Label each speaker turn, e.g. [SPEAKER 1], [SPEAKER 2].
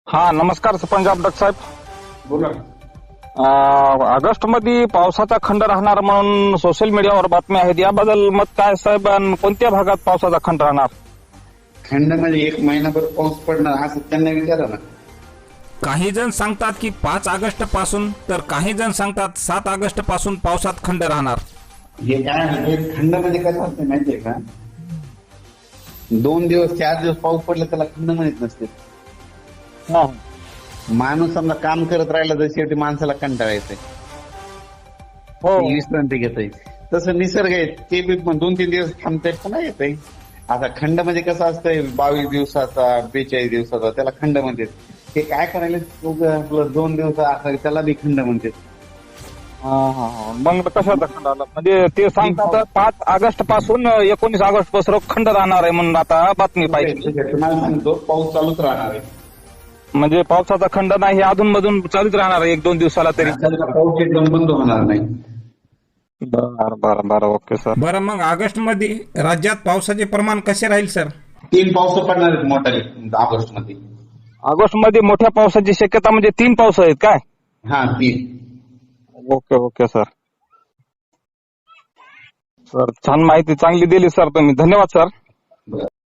[SPEAKER 1] हा नमस्कार सरपंच डॉक्टर साहेब.
[SPEAKER 2] बोला.
[SPEAKER 1] ऑगस्ट मध्ये पावसाचा खंड राहणार म्हणून सोशल मीडियावर बातम्या आहेत, याबद्दल मत काय साहेब? आणि कोणत्या भागात पावसाचा खंड राहणार?
[SPEAKER 2] खंड म्हणजे 1 महिनाभर पाऊस पडणार असं त्यांना विचारा ना.
[SPEAKER 3] काही जण सांगतात की 5 ऑगस्ट पासून, तर काही जण सांगतात 7 ऑगस्ट पासून पावसात खंड राहणार.
[SPEAKER 2] हे काय आहे, खंड म्हणजे कसं असतं माहितीये का? 2 दिवस 4 दिवस पाऊस पडला त्याला खंड म्हणत नसते.
[SPEAKER 1] हा.
[SPEAKER 2] माणूस समजा काम करत राहिला तर शेवटी माणसाला कंटाळा येते,
[SPEAKER 1] हो.
[SPEAKER 2] विश्रांती घेते. तसं निसर्ग आहे ते बी 2-3 दिवस थांबते पुन्हा येते. आता खंड म्हणजे कसं असतंय 22 दिवसाचा 42 दिवसाचा त्याला खंड म्हणते. ते काय करायला आपलं 2 दिवस असं त्याला बी खंड म्हणते.
[SPEAKER 1] मग कशाचा खंड आला? म्हणजे ते सांगतात 5 ऑगस्ट पासून 19 ऑगस्ट पासून खंड राहणार आहे म्हणून आता बातमी पाहिजे.
[SPEAKER 2] तुम्हाला सांगतो पाऊस चालूच राहणार आहे.
[SPEAKER 1] म्हणजे पावसाचा खंड नाही, अधून मधून चालूच राहणार आहे 1-2 दिवसाला तरी.
[SPEAKER 2] पाऊस एकदम बंद होणार नाही.
[SPEAKER 1] बरं ओके सर.
[SPEAKER 3] बरं, मग ऑगस्ट मध्ये राज्यात पावसाचे प्रमाण कसे राहील सर?
[SPEAKER 2] 3 पाऊस पडणार आहेत मोठाले ऑगस्ट मध्ये.
[SPEAKER 1] ऑगस्ट मध्ये मोठ्या पावसाची शक्यता म्हणजे 3 पाऊस आहेत काय?
[SPEAKER 2] हा 3.
[SPEAKER 1] Okay sir. सर छान माहिती चांगली दिली सर तुम्ही, धन्यवाद सर.